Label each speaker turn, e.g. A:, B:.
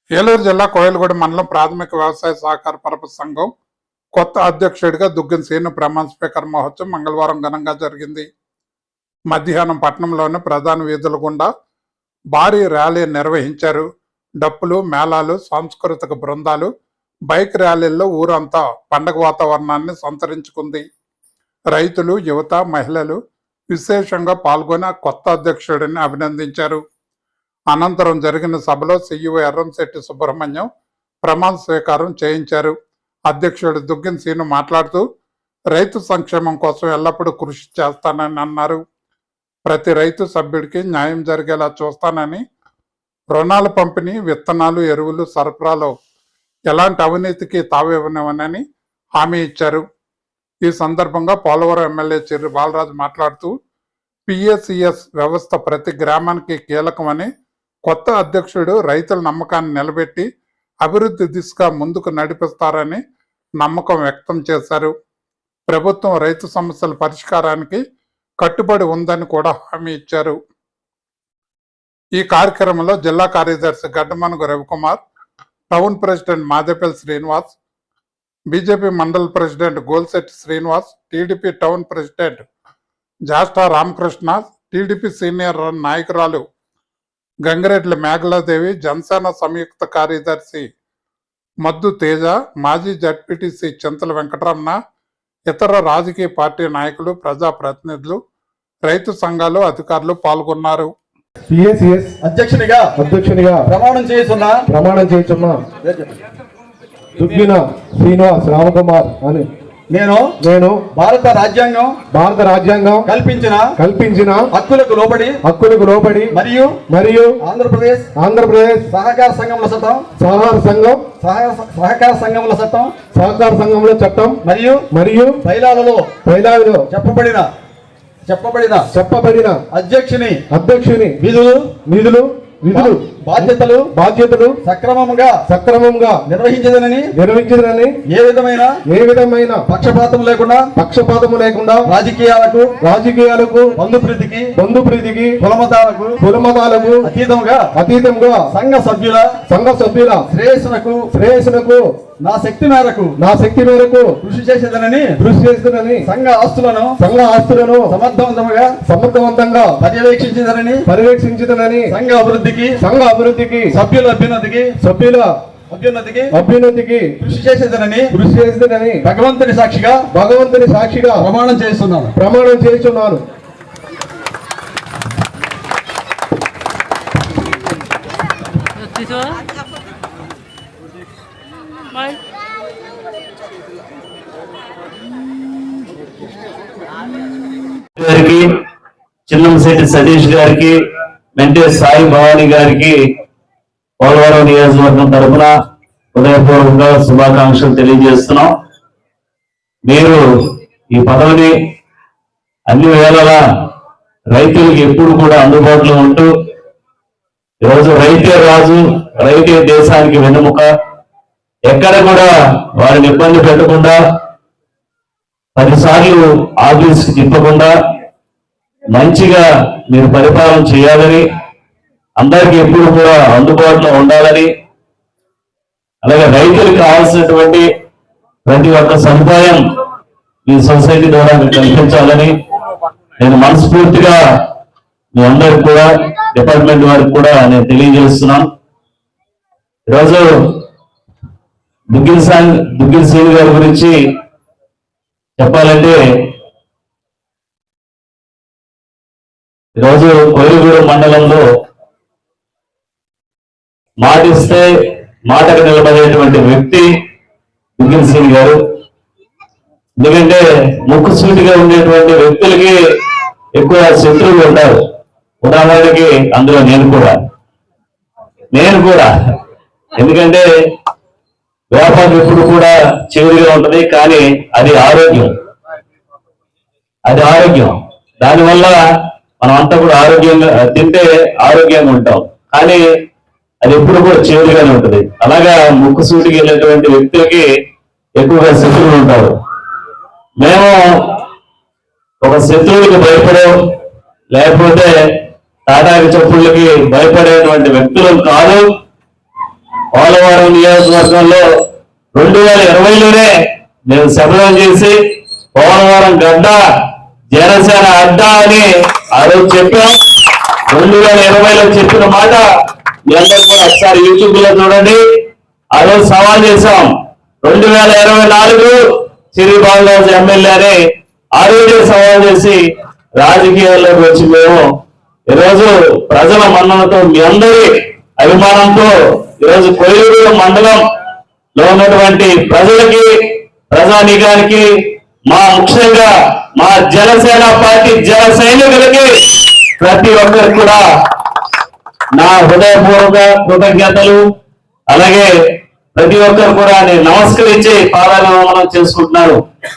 A: ఏలూరు జిల్లా కోయిలగూడ మండలం ప్రాథమిక వ్యవసాయ సహకార పరపతి సంఘం కొత్త అధ్యక్షుడిగా దుగ్గన శ్రీను ప్రమాణ స్వీకార మహోత్సవం మంగళవారం ఘనంగా జరిగింది. మధ్యాహ్నం పట్టణంలోని ప్రధాన వీధుల గుండా భారీ ర్యాలీ నిర్వహించారు. డప్పులు, మేళాలు, సాంస్కృతిక బృందాలు, బైక్ ర్యాలీల్లో ఊరంతా పండగ వాతావరణాన్ని సంతరించుకుంది. రైతులు, యువత, మహిళలు విశేషంగా పాల్గొని కొత్త అధ్యక్షుడిని అభినందించారు. అనంతరం జరిగిన సభలో సీఈఓ ఎర్రంశెట్టి సుబ్రహ్మణ్యం ప్రమాణ స్వీకారం చేయించారు. అధ్యక్షుడు దుగ్గన శ్రీను మాట్లాడుతూ రైతు సంక్షేమం కోసం ఎల్లప్పుడూ కృషి చేస్తానని అన్నారు. ప్రతి రైతు సభ్యుడికి న్యాయం జరిగేలా చూస్తానని, రుణాల పంపిణీ, విత్తనాలు, ఎరువులు సరఫరాలో ఎలాంటి అవినీతికి తావివ్వనివ్వనని హామీ ఇచ్చారు. ఈ సందర్భంగా పోలవరం ఎమ్మెల్యే చిర్రి బాలరాజు మాట్లాడుతూ పిఎసిఎస్ వ్యవస్థ ప్రతి గ్రామానికి కీలకమని, కొత్త అధ్యక్షుడు రైతుల నమ్మకాన్ని నిలబెట్టి అభివృద్ధి దిశగా ముందుకు నడిపిస్తారని నమ్మకం వ్యక్తం చేశారు. ప్రభుత్వం రైతు సమస్యల పరిష్కారానికి కట్టుబడి ఉందని కూడా హామీ ఇచ్చారు. ఈ కార్యక్రమంలో జిల్లా కార్యదర్శి Gaddamanugu Ravikumar, town president Madepalli Srinivas, BJP mandal president Golshetti Srinivas, TDP town president Jasta Ramakrishna, TDP senior నాయకురాలు గంగిరెడ్ల మేఘలాదేవి, జనసేన సంయుక్త కార్యదర్శి మద్దు తేజ, మాజీ జడ్పీటీసీ చింతల వెంకటరమణ, ఇతర రాజకీయ పార్టీ నాయకులు, ప్రజాప్రతినిధులు, రైతు సంఘాలు, అధికారులు పాల్గొన్నారు.
B: అధ్యక్షునిగా ప్రమాణం చేస్తున్నా దుగ్గిన శ్రీనివాస్ రామకుమార్ అని నేను భారత రాజ్యాంగం కల్పించిన హక్కులకు లోబడి మరియు ఆంధ్రప్రదేశ్ సహకార సంఘముల చట్టం మరియు బైలాలలో చెప్పబడిన అధ్యక్షుని విధులు బాధ్యతలు సక్రమంగా నిర్వహించదనని ఏ విధమైన పక్షపాతం లేకుండా రాజకీయాలకు బంధుప్రీతికి కులమతాలకు అతీతంగా సంఘ సభ్యుల శ్రేయస్సునకు నా శక్తి మేరకు కృషి చేసేదనని సంఘ ఆస్తులను సమర్థవంతంగా పర్యవేక్షించదనని సంఘ అభివృద్ధికి సభ్యుల అభ్యున్నతికి కృషి చేసేదనని భగవంతుని సాక్షిగా ప్రమాణం చేస్తున్నాను.
C: గారికి, చిన్నంశెట్టి సతీష్ గారికి, మెంటే సాయి భవానీ గారికి పోలవరం నియోజకవర్గం తరఫున హృదయపూర్వకంగా శుభాకాంక్షలు తెలియజేస్తున్నాం. మీరు ఈ పదవిని అన్ని వేళలా రైతులకు ఎప్పుడు కూడా అందుబాటులో ఉంటూ, ఈరోజు రైతే రాజు, రైతే దేశానికి వెన్నెముక, ఎక్కడ కూడా వారిని ఇబ్బంది పెట్టకుండా, 10 సార్లు ఆఫీస్కి తిప్పకుండా మంచిగా మీరు పరిపాలన చేయాలని, అందరికీ ఎప్పుడు కూడా అందుబాటులో ఉండాలని, అలాగే రైతులకు కావాల్సినటువంటి ప్రతి ఒక్క సదుపాయం ఈ సొసైటీ ద్వారా మీకు కల్పించాలని నేను మనస్ఫూర్తిగా మీ అందరికి కూడా, డిపార్ట్మెంట్ వారికి కూడా నేను తెలియజేస్తున్నాను. ఈరోజు దుగ్గిన శ్రీను గారి గురించి చెప్పాలంటే, ఈరోజు కోయిలగూడ మండలంలో మాటిస్తే మాటకు నిలబడేటువంటి వ్యక్తి దుగ్గిన శ్రీను గారు. ఎందుకంటే ముక్కుసూటిగా ఉండేటువంటి వ్యక్తులకి ఎక్కువ శత్రువులు ఉంటారు. ఉదాహరణకి అందులో నేను కూడా ఎందుకంటే వ్యాపారం ఎప్పుడు కూడా చివరిగా ఉంటుంది, కానీ అది ఆరోగ్యం. దానివల్ల మనం అంతా కూడా ఆరోగ్యంగా తింటే ఆరోగ్యంగా ఉంటాం, కానీ అది ఎప్పుడు కూడా చివరిగానే ఉంటుంది. అలాగా ముక్కుసూటికి వెళ్ళేటువంటి వ్యక్తులకి ఎక్కువగా శత్రువులు ఉంటారు. మేము ఒక శత్రువులకు భయపడో, లేకపోతే తాటాకి చప్పుళ్ళకి భయపడేటువంటి వ్యక్తులు కాదు. పోలవరం నియోజకవర్గంలో 2020లోనే మేము శపథం చేసి పోలవరం గడ్డ జనసేన అడ్డా అని ఆ రోజు చెప్పాం. 2020లో చెప్పిన మాట మీ అందరూ కూడా ఒకసారి యూట్యూబ్ లో చూడండి. ఆ రోజు సవాల్ చేశాం. 2024 చిరి బాలరాజు ఎమ్మెల్యే అని ఆ రోజే సవాల్ చేసి రాజకీయాల్లోకి వచ్చి మేము ఈరోజు ప్రజల మన్ననతో మీ అందరి అభిమానంతో ఈరోజు కొయ్యూరు మండలంలో ఉన్నటువంటి ప్రజలకి ప్రజానీకానికి ముఖ్యంగా మా జనసేన పార్టీ జన సైనికులకి ప్రతి ఒక్కరికి కూడా నా హృదయపూర్వక కృతజ్ఞతలు. అలాగే ప్రతి ఒక్కరు కూడా నేను నమస్కరించి పాదాభివందనం చేసుకుంటున్నాను.